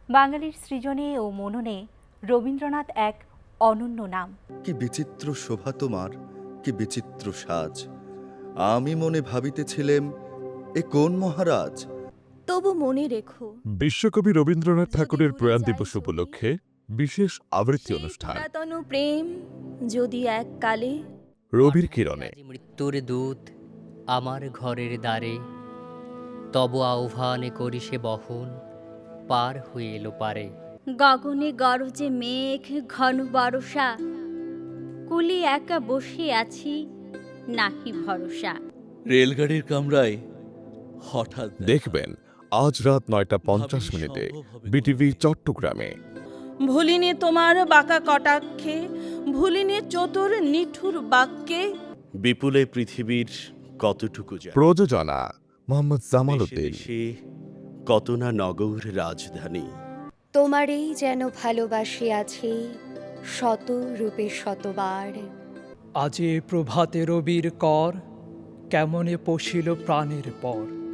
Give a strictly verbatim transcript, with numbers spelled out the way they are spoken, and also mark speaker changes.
Speaker 1: বাঙালির সৃজনে ও মননে রবীন্দ্রনাথ এক অনন্য নাম।
Speaker 2: কি বিচিত্র শোভা তোমার, কি বিচিত্র সাজ। আমি মনে ভাবিতেছিলেম, এ কোন মহারাজ।
Speaker 3: তবু মনে রেখো,
Speaker 4: বিশ্বকবি রবীন্দ্রনাথ
Speaker 3: যদি
Speaker 4: ঠাকুরের
Speaker 3: ভুলে
Speaker 4: প্রয়াণ
Speaker 3: যাই
Speaker 4: দিবস
Speaker 3: যদি,
Speaker 4: উপলক্ষে বিশেষ আবৃত্তি
Speaker 3: সেই
Speaker 4: অনুষ্ঠান
Speaker 3: পুরাতন প্রেম যদি এককালে
Speaker 4: রবির কিরণে।
Speaker 5: আজি মৃত্যুর দূত আমার ঘরের দ্বারে, তব আহ্বানে করি সে বহন, পার হয়ে এলো পারে।
Speaker 6: গগনে গরজে মেঘ ঘন বরষা, কুলি একা বসে আছি নাহি ভরসা।
Speaker 7: রেলগাড়ির কামরায় হঠাৎ দেখা।
Speaker 4: দেখবেন আজ রাত নয়টা পঞ্চাশ
Speaker 7: ভাবিনি
Speaker 4: মিনিটে
Speaker 7: সম্ভব হবে
Speaker 4: বিটিভি
Speaker 7: কোনোদিন।
Speaker 4: চট্টগ্রামে।
Speaker 3: ভুলিনি তোমার বাঁকা কটাক্ষে, ভুলিনি চতুর নিঠুর বাক্যে।
Speaker 7: বিপুলে পৃথিবীর কতটুকু যায়,
Speaker 4: প্রযোজনা মোহাম্মদ জামাল
Speaker 7: দেশে
Speaker 4: উদ্দিন।
Speaker 7: দেশে কত না নগর রাজধানী।
Speaker 8: তোমারেই যেন ভালোবাসি আছি শত রূপে শতবার।
Speaker 9: আজে প্রভাতে রবির কর, কেমনে পশিল প্রাণের পর।